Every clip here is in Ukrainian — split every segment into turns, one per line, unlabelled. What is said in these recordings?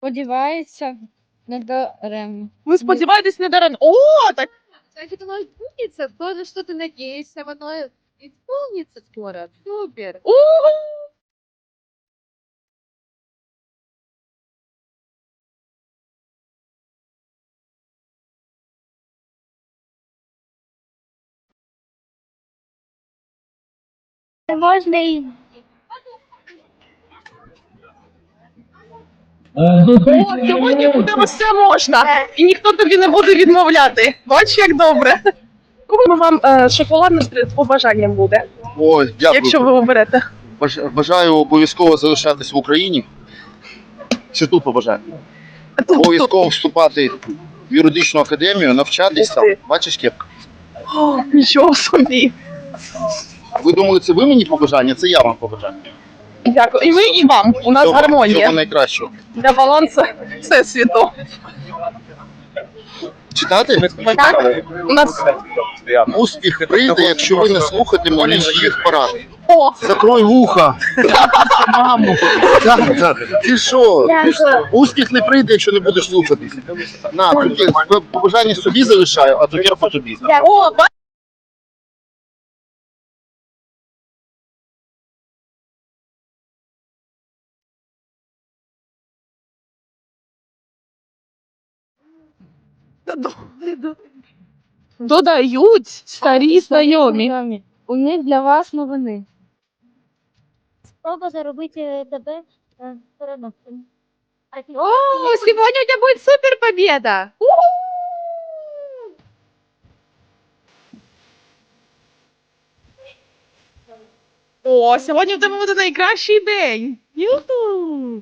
сподівається, не даремно.
Ви сподіваєтесь не даремно. О, так.
Значит, оно изменится, тоже что-то надеешься, оно исполнится скоро. Супер.
Можна і
О, сьогодні буде все можна. І ніхто тобі не буде відмовляти. Бач, як добре. Кому вам шоколадне з побажанням буде,
Ой, дякую.
якщо ви оберете?
Бажаю обов'язково залишатись в Україні. Що тут побажаю? Обов'язково вступати в юридичну академію, навчатись там. Бачиш, кепка?
О, нічого собі.
Ви думали, це ви мені побажання? Це я вам побажаю.
Дякую. І ми, і вам. У нас гармонія.
Всього найкращого.
Для балансу всесвіту.
Читати?
Так? У нас...
Успіх прийде, якщо ви не слухатимете їх порад.
О!
Закрой вуха. Маму. Так. Ти що? Успіх не прийде, якщо не будеш слухатись. На, побажання собі залишаю, а цукерку тобі.
О, додають старі знайомі.
У них для вас новини.
Спроба заробити тебе переносом.
О, сегодня у тебя будет супер победа.
О, сьогодні в тебе буде найкращий день. Юху!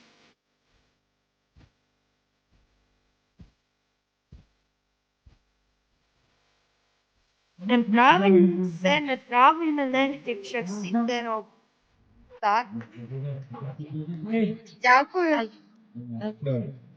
Неправильно, все неправильно, легкі часи дорог. Так. Дякую.